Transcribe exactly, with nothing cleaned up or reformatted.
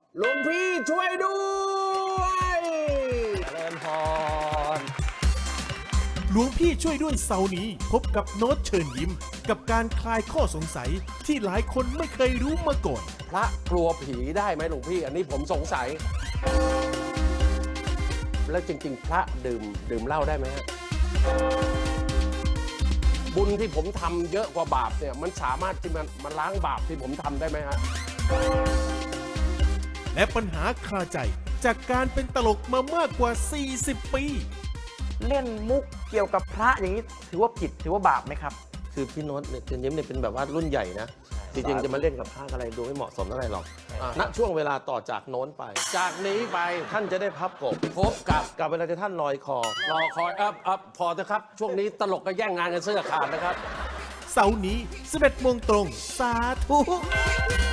หลวงพี่ช่วยด้วยเจริญพรหลวงพี่ช่วยด้วยเสาร์นี้พบกับโน้ตเชิญยิ้มกับการคลายข้อสงสัยที่หลายคนไม่เคยรู้มาก่อนพระกลัวผีได้ไหมหลวงพี่ อันนี้ผมสงสัย แล้วจริงๆ พระดื่มดื่มเหล้าได้ไหมฮะบุญที่ผมทำเยอะกว่าบาปเนี่ยมันสามารถที่มันมาล้างบาปที่ผมทำได้ไหมฮะและปัญหาคาใจจากการเป็นตลกมามากกว่า สี่สิบ ปีเล่นมุกเกี่ยวกับพระอย่างนี้ถือว่าผิดถือว่าบาปไหมครับคือพี่โน้ตเนี่ยเจนยิ้มเนี่ยเป็นแบบว่ารุ่นใหญ่นะ จริงๆ จะมาเล่นกับพระอะไรดูไม่เหมาะสมเท่าไหร่หรอกอ่าณช่วงเวลาต่อจากโน้นไปจากนี้ไปท่านจะได้พับกบพบกับกับเวลาที่ท่านลอยคอรอคอยอัพอัพพอเถอะครับ ช่วงนี้ตลกก็แย่งงานกันเสื้อขาดนะครับเสาร์นี้ สิบเอ็ดโมงตรง สาธุ